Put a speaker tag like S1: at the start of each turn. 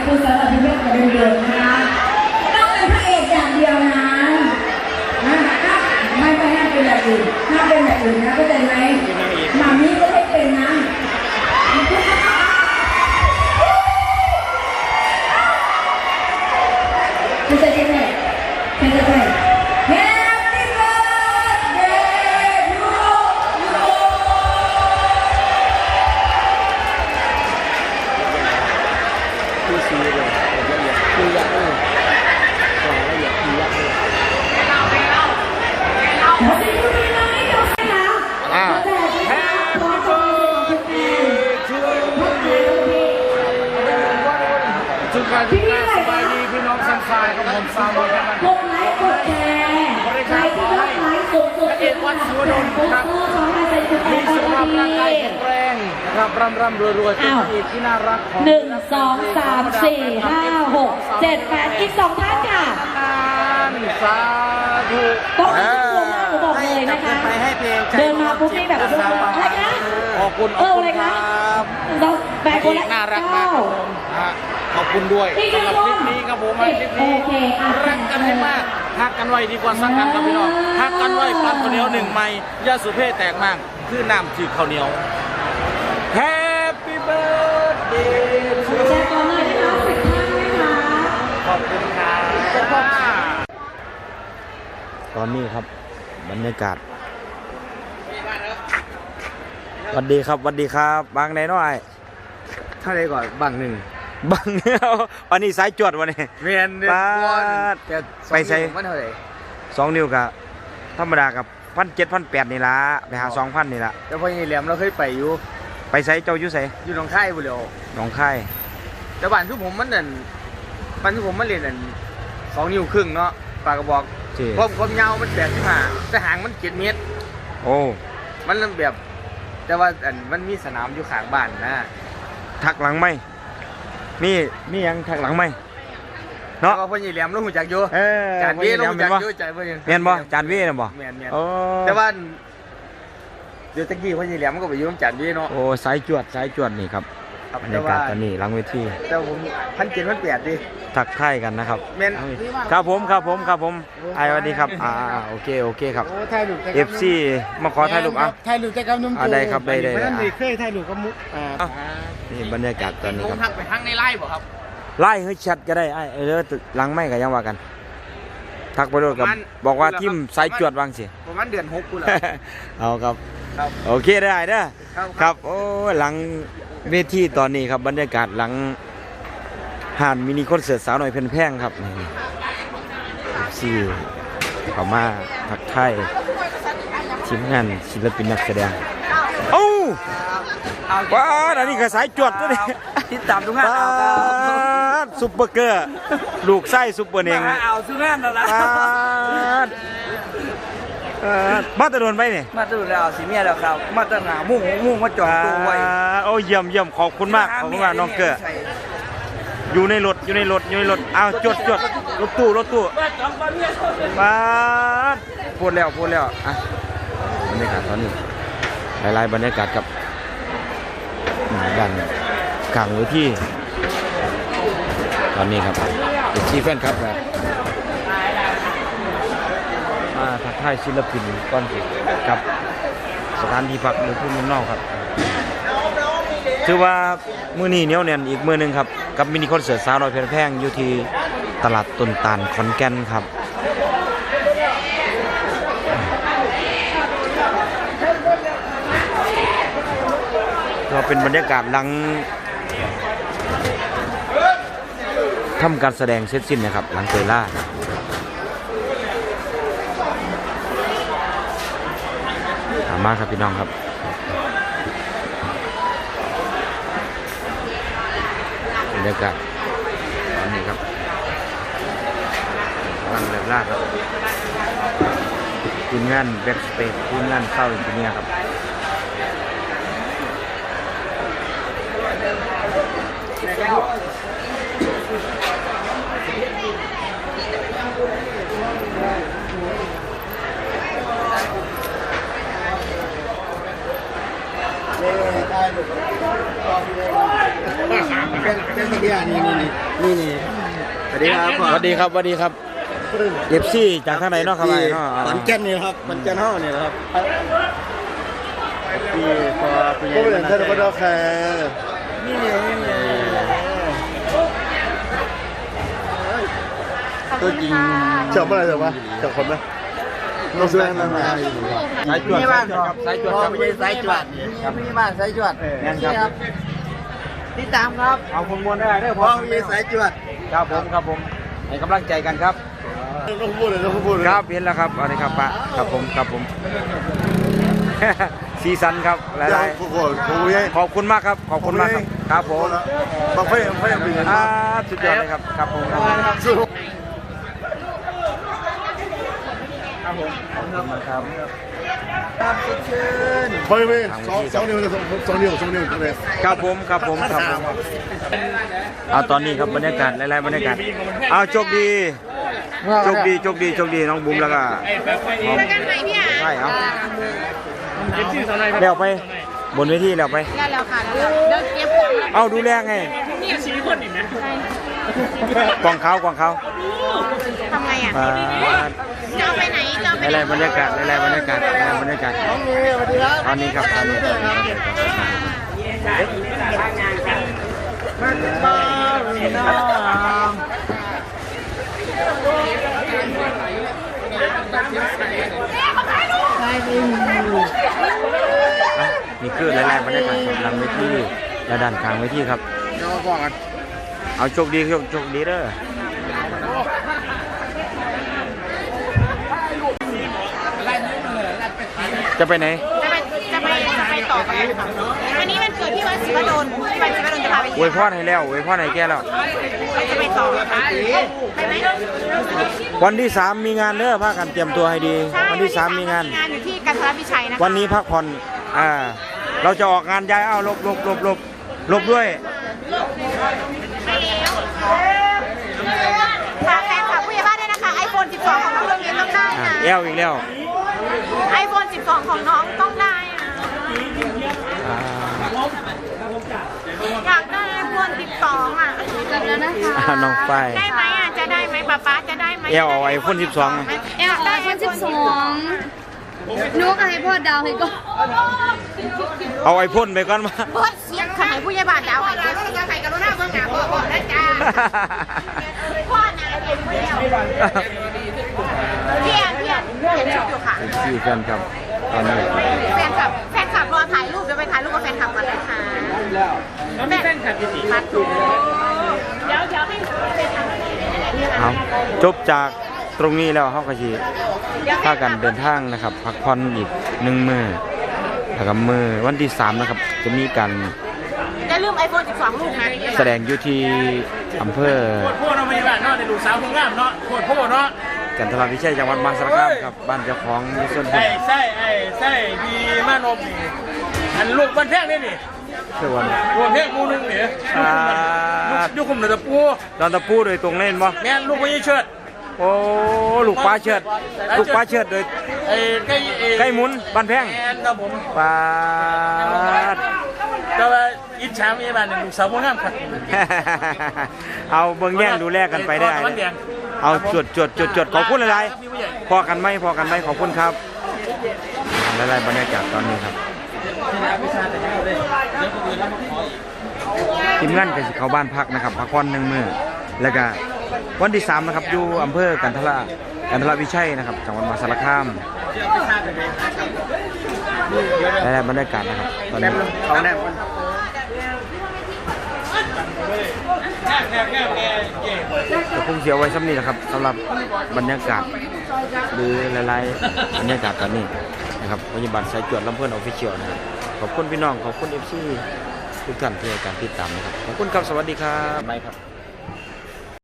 S1: คือสำหรับพี่เมฆกับเดิมๆนะคะต้องเป็นพระเอกอย่างเดียวนะไม่ไปห้ามเป็นแบบอื่นห้ามเป็นแบบอื่นนะเข้าใจไหมมามีก็ให้เป็นนะไม่ใช่แค่ไม่ใช่แค่
S2: พี่สบายดีพี่น้องสันทรายกับผมสาวน้อยกันกดไลค์กดแชร์ใครที่รักไลค์กดเอกวัดสุวรรณครับมีสุขภาพร่างกายแข็งแรงนะครับร่ำรวยๆเป็นอีกที่น่ารักของ
S1: 1 2 3 4 5 6 7 8อีก2ท่านค่ะ
S2: สาธุ
S1: ต้องให้ตัวหน้าหนูบอกเลยนะคะเดินมาปุ๊บนี่แบบอะไรนะ
S2: ขอบคุณ
S1: อะไรคะเราแบกคนละ
S2: น่ารักมากขอบคุณด้วยสำหรับคลิปนี้ครับผมคลิปนี้รักกันให้มากฮักกันไว้ดีกว่าสักกันครับพี่น้องฮักกันไว้ปั้นข้าวเหนียว1 ไม้ยาสุเพ่แตกมากคือน้ำจืดข้าวเหนียว Happy birthday
S1: แชร์ก่อนเลยนะคะ10 ท่านนะคะ
S2: ขอบคุณครับ
S3: ตอนนี้ครับบรรยากาศสวัสดีครับสวัสดีครับบางไหนน้อย
S2: ถ้าได้ก่อนบางหนึ่ง
S3: บางวันนี้สายจวดวันนี้
S2: เมียน
S3: ไปใส่
S2: มันเท่าไหร่
S3: 2 นิ้วกับธรรมดากับ1,700 1,800นี่ละไปหา 2,000นี่ละ
S2: แล้วพอยี่แหลมเราเคยไปอยู่
S3: ไปใส่เจ้าอยู่ใส่
S2: อยู่หนองคายบุรี
S3: หนองคาย
S2: แต่บ้านทุกผมมันนั่นบ้านทุกผมมันเรียนนั่น2 นิ้วครึ่งเนาะปากกระบอกความยาวมัน85แต่หางมัน7 เมตร
S3: โอ้
S2: มันแบบแต่ว่ามันมีสนามอยู่ข้างบ้านนะ
S3: ทักหลังไหมมียังทักหลังไหม
S2: เนาะพอยี่แหลมเราหูจักอยู่จานเว่เราหูจักอยู่ใจเ
S3: มียนบ่จานเว่นะบ่
S2: แต่ว่าเดี๋ยวตะกี้พอยี่แหลมก็ไปอยู่กับจานเว่เนาะ
S3: โอ้สายจวดนี่ครับบรรยากาศตอนนี้หลังเวที
S2: แต่ผม1,700 1,800ดิ
S3: ทักทายกันนะครับครับผมไอ้สวัสดีครับโอเคครับ FC มาขอถ่ายรูป
S2: ถ่ายรูปแต่กับนุ่ม
S3: ได้ครับได้
S2: เคยถ่ายรูปกับมุก
S3: นี่บรรยากาศตอนนี้ครับ
S2: ทักไปทางในไลฟ์บ่ครับ
S3: ไล่ให้ชัดก็ได้ไอ้เด้อหลังไม่ก็ยังว่ากันทักไปด้วยกับบอกว่าทีมสายจวดวางสิ
S2: ประมาณเดือน6กูล่ะ
S3: เอาครับโอเคได้เด้อครับโอ้หลังเวทีตอนนี้ครับบรรยากาศหลังห่านมินิคอนเสิร์ตสาวหน่อยเพลินแพงครับนี่ซี่เข้ามาทักทายทีมงานศิลปินนักแสดงโอ้ว้าอันนี้ก็สายจวดตัวนี้
S2: ติดตามทุกงาน
S3: ซุปเปอร์เกอร์ลูกไส้ซุปเปอร์เนง
S2: เอาทุกงานแล้วนะ
S3: มาตะโดนไปนี่
S2: มาตะโดนแล้วสีเมียแล้วครับมาตะหนามุ่งมาจอดตัวไว้
S3: โอ้เยี่ยมขอบคุณมากน้องเกอร์อยู่ในรถเอาจดรถตู้มาพูดแล้วอ่ะบรรยากาศตอนนี้หลายบรรยากาศกับด้านกลางเวทีตอนนี้ครับทีแฟนครับมาทักทายศิลปินก้อนสิกับสถานที่พักหรือผู้เมืองนอกครับถือว่ามื้อนี้เหนียวแน่นอีกมื้อนึงครับกับมินิคอนเสิร์ตสาวน้อยเพลินแพงอยู่ที่ตลาดต้นตาลขอนแก่นครับก็เป็นบรรยากาศหลังทำการแสดงเสร็จสิ้นนะครับหลังเตยล่าถามมาครับพี่น้องครับบรรยากาศตอนนี้ครับหลังเตยล่าครับทีมงานแบ็กสเปซทีมงานเข้าอย่างนี้ครับ
S2: เป็นเดียนี่
S4: นี่สวัสดีครับ
S3: สวัสดีครับสวัสดีครับเอฟซีจากทางไหนเนาะครับไอ้เนาะ
S4: ขอนแก่นนี่ครับขอนแก่นเฮานี่ครับพี่พอพี่ใหญ่มาท่านก็ดอกแคร์นี่ตัวจริงเชื่อเมื่อไหร่เถอะวะเชื่อคนไหมเราซื้อนั่นมาสายจวดครับสายจวดครับไม่ใช่สายจวดครับไม่ใช่บ้านสายจวดนี่ครับติดตามครับ
S3: เอาคนมวนได้เด้อ
S4: พอมีสายจวด
S3: ครับผมให้กำลังใจกันครับ
S4: ต้องพูดเลยต้องพูดเลย
S3: ครับเห็นแล้วครับเอาเลยครับปะครับผม ซีซันครับหลายๆขอบคุณมากครับขอบคุณมากครับครับผม
S4: บางไฟยังเป็นเงิน
S3: สุดยอดเลยครับครับผม
S4: สู้
S3: ครับ
S4: ไปไปสองนิ้วเลย
S3: ครับผมเอาตอนนี้ครับบรรยากาศหลายๆบรรยากาศเอาโชคดีน้องบุ๋มแล้วก็ใช่เอาแล้วไปบนเวทีแล้วไป
S1: ได้แล้วค่ะเดินเก็บของ
S3: เอาดูแลไง
S1: นี่ชีคนอีกนะ
S3: กองเขา
S1: ทำไงอ่ะ
S3: มา
S1: จะเอาไปไหนจะเอาไป
S3: หลายๆบรรยากาศตอนนี้ครับตอนนี้นี่คือหลายๆบรรยากาศสำหรับเวทีและด้านข้างเวทีครับเอาโชคดีเด้อจะไปไหน
S1: จะไปต่อกันค่ะวันนี้มันเกิดที่วัดศิวดลจะพาไป
S3: อวยพรให้แล้วอวยพรให้แกแล้ว
S1: จะไปต่อค่ะไปไหม
S3: วันที่ 3 มีงานเด้อพากันเตรียมตัวให้ดี วันที่ 3 มีงาน
S1: อยู่ที่กันทรวิชัยนะคะ
S3: วันนี้พักผ่อนเราจะออกงานย้ายลบด้วย
S1: ไปแล้วฝากแฟนคลับผู้ใหญ่บ้านด้วยนะคะ iPhone 12 ของน้องโรงเรียนต้องได้นะ
S3: แอลอีกแล้ว
S1: iPhone 12 ของน้องต้องได้นะอยากได้ iPhone 12 อ่ะแล้วนะคะ
S3: น้องฝ้าย
S1: ได้ไหมอ่ะจะได้ไหมป๊าจะได้ไหม
S3: แอลเอาไอโฟน12
S1: แอลได้ iPhone 12นุ๊กให้พ่อดาวให้ก็
S3: เอาไอพ่นไปก่อนมา
S1: เปิดเสียงขนาดผู้ใหญ่บ้านดาวให้เดี๋ยวจะใส่กรุณาเบื้องหน้าพ่อนะจ๊ะพ่อนะเรียนผู้เดียวเพียนชุดอยู่ค่ะ
S3: ที่กันครับตอนนี้
S1: แฟนคลับรอถ่ายรูปเดี๋ยวไปถ่ายรูปกับแฟนคลับกันนะคะแล้วมีแฟนคลับกี่พัดเดี๋ยวให้
S3: เอาจบจากตรงนี้แล้วเขาก็สิพากันเดินทางนะครับพักผ่อนอีก1 มื้อแล้วก็มื้อวันที่ 3 นะครับ จะมีการ
S1: อย่าลืม iPhone 12 ลูกนะ
S3: แสดงอยู่ที่อำเภอ
S2: พวกเราไม่ได้เนาะในลูกสาวคนงามเนาะพวกเนาะ
S3: กันทรวิชัยจังหวัดมหาสารคามครับบ้านเจ้าของมีส่วนบุญ
S2: ไส้ดีมานมนี่อันลูกบ้านแพงนี่นี่
S3: ส่วน
S2: ลูกแพงมูนึงเนี่ยยุคุมเดือดปู
S3: ดอนตะปูโดยตรงเล่นบ่
S2: แม่ลูกไม่ใช่เชิด
S3: โอ้ลูกปลาเชิดโดย ไก่หมุนบ้านแพง
S2: แอนครับผม
S3: ปลา
S2: แต่ว่าอิจฉามีบ้านลูกสาวคนงามครับ
S3: เอาเบิ่งแย่งดูแลกันไปได้ เอาจดขอบคุณหลายๆพอกันไหมขอบคุณครับหลายๆบรรยากาศตอนนี้ครับทีมงานก็สิเข้าบ้านพักนะครับพักผ่อน1 มื้อแล้วก็วันที่ 3 นะครับอยู่อำเภอกันทรวิชัยนะครับจังหวัดมหาสารคามหลายๆบรรยากาศนะครับตอนนี้ก็คงเสียไว้ซ้ำนี้แหละครับสำหรับบรรยากาศหรือหลายๆบรรยากาศตอนนี้นะครับพยาบาลสายจวดลำเพื่อนออฟฟิเชียลนะครับขอบคุณพี่น้องขอบคุณ FC ทุกท่านที่ให้การติดตามนะครับขอบคุณครับสวัสดีครับบายครับ